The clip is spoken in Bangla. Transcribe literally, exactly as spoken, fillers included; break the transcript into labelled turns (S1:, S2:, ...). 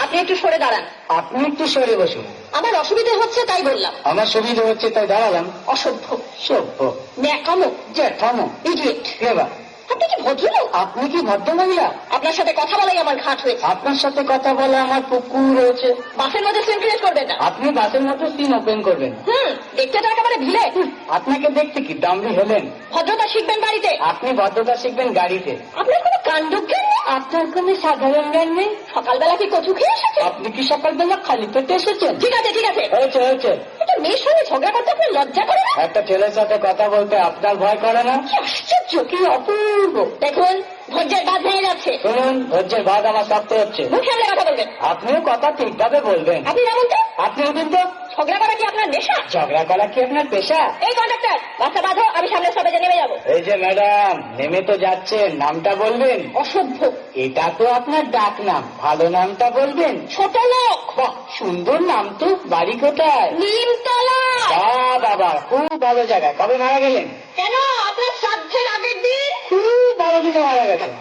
S1: আপনি একটু সরে দাঁড়ান।
S2: আপনি একটু সরে বসুন।
S1: আমার অসুবিধা হচ্ছে তাই বললাম।
S2: আমার সুবিধা হচ্ছে তাই দাঁড়ালাম।
S1: অসভ্য,
S2: সভ্য,
S1: ন্যাকামো,
S2: জ্যাঠামো,
S1: ইডিয়েট।
S2: ক্লেভার।
S1: আপনি কি ভদ্রলোক?
S2: আপনি কি ভদ্র মহিলা?
S1: আপনার সাথে কথা বলাই আমার ঘাট হয়েছে।
S2: আপনার সাথে কথা বলে আমার পুকুর রয়েছে।
S1: বাসের মধ্যে সিন ক্রিয়েট করবেন না।
S2: আপনি বাসের মধ্যে সিন ওপেন করবেন।
S1: হুম, দেখতে তো একেবারে ভিলে।
S2: আপনাকে দেখতে কি দামড়ি হলেন?
S1: ভদ্রতা শিখবেন বাড়িতে।
S2: আপনি ভদ্রতা শিখবেন গাড়িতে।
S1: আপনার কোনো কাণ্ডজ্ঞান নেই।
S2: আপনার কোনো সাধারণ জ্ঞান নেই।
S1: সকালবেলা কি কচু খেয়ে এসেছেন?
S2: আপনি কি সকালবেলা খালি পেটে এসেছেন?
S1: ঠিক আছে ঠিক আছে,
S2: হয়েছে হয়েছে।
S1: একটা মেয়ের সঙ্গে ঝগড়া করতে আপনার লজ্জা করে না?
S2: একটা ছেলের সাথে কথা বলতে আপনার ভয় করে না?
S1: কি আশ্চর্য, কি অপূর্ব। দেখুন, ধৈর্যের বাঁধ ভেঙে যাচ্ছে।
S2: শুনুন, ধৈর্যের বাদ আমার শক্ত হচ্ছে।
S1: মুখ সামলে কথা বলবেন।
S2: আপনিও কথা ঠিকভাবে বলবেন।
S1: আপনি যেমন তো।
S2: আপনি উঠুন তো।
S1: ঝগড়া করা কি আপনার নেশা?
S2: ঝগড়া করা কি আপনার পেশা?
S1: এই কন্ডাক্টর, বাচ্চা বাঁধো, আমি সামনে স্টপেজে নেমে যাবো।
S2: এই যে ম্যাডাম, নেমে তো যাচ্ছেন, নামটা বলবেন।
S1: অসভ্য।
S2: এটা তো আপনার ডাক নাম, ভালো নামটা বলবেন।
S1: ছোট লোক।
S2: বাহ, সুন্দর নাম তো। বাড়ি কোথায়?
S1: নিমতলা।
S2: বাহ বাবা, খুব ভালো জায়গায়। কবে মারা গেলেন?
S1: কেন, আপনার শ্রাদ্ধের আগের দিন।
S2: খুব ভালো দিনে মারা গেছেন।